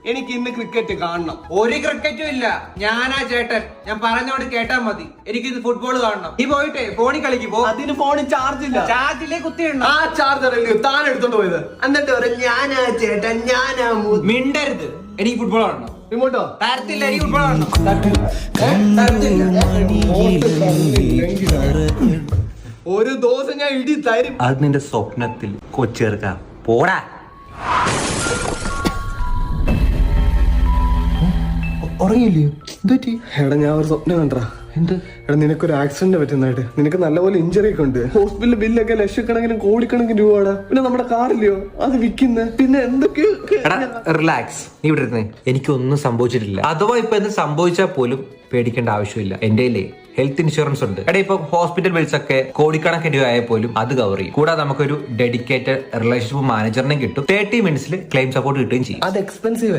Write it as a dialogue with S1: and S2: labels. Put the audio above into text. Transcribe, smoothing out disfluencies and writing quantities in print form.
S1: എനിക്ക് ഇന്ന് ക്രിക്കറ്റ് കാണണം.
S2: ഒരു ക്രിക്കറ്റും ഇല്ല. ഞാനാ ചേട്ടൻ. ഞാൻ പറഞ്ഞോട് കേട്ടാ മതി. എനിക്കിത് ഫുട്ബോൾ കാണണം. നീ പോയിട്ടേ ഫോണിൽ കളിക്ക് പോ.
S1: അതിന് ഫോണിൽ ചാർജ് ഇല്ല.
S2: ചാർജിലേ കുത്തിയിടണം.
S1: ആ ചാർജർ അല്ലയോ താൻ എടുത്തോണ്ട് പോയത്. എന്നിട്ട് പറയും ഞാനാ ചേട്ടൻ, ഞാനാ
S2: മിണ്ടരുത്. എനിക്ക് ഫുട്ബോൾ കാണണം.
S1: റിമോട്ടോ
S2: തരത്തില്ല. എനിക്ക് ഫുട്ബോൾ കാണണം.
S1: ഒരു ദിവസം ഞാൻ ഇടി തരും.
S3: അത് നിന്റെ സ്വപ്നത്തിൽ കൊച്ചേർക്ക പോടാ.
S1: ഉറങ്ങിയില്ലയോ? എടാ ഞാൻ ഒരു സ്വപ്നം കണ്ടാ. എന്ത്? എടാ നിനക്കൊരു ആക്സിഡന്റ് പറ്റുന്നതായിട്ട്. നിനക്ക് നല്ലപോലെ ഇഞ്ചറി ഒക്കെ ഉണ്ട്. ഹോസ്പിറ്റലിൽ ബില്ലൊക്കെ ലക്ഷക്കണക്കിന് കോടിക്കണക്കിന് രൂപയാണ്. പിന്നെ നമ്മുടെ കാറില്ലയോ അത് വിൽക്കുന്ന. പിന്നെ എന്തൊക്കെയോ.
S3: റിലാക്സ്. നീ ഇവിടെ ഇരുന്നേ. എനിക്കൊന്നും സംഭവിച്ചിട്ടില്ല. അഥവാ ഇപ്പൊ എന്ത് സംഭവിച്ചാൽ പോലും പേടിക്കേണ്ട ആവശ്യമില്ല. എന്റെ ഹെൽത്ത് ഇൻഷുറൻസ് ഉണ്ട്. എടാ ഇപ്പൊ ഹോസ്പിറ്റൽ ബിൽസ് ഒക്കെ കോടിക്കണക്കിന് രൂപ ആയാൽ പോലും അത് കവർ ചെയ്യും. കൂടാതെ നമുക്കൊരു ഡെഡിക്കേറ്റഡ് റിലേഷൻഷിപ്പ് മാനേജറിനെ കിട്ടും. 30 മിനിറ്റ്സിൽ ക്ലെയിം സപ്പോർട്ട് കിട്ടുകയും ചെയ്യും.
S1: അത് എക്സ്പെൻസീവ്.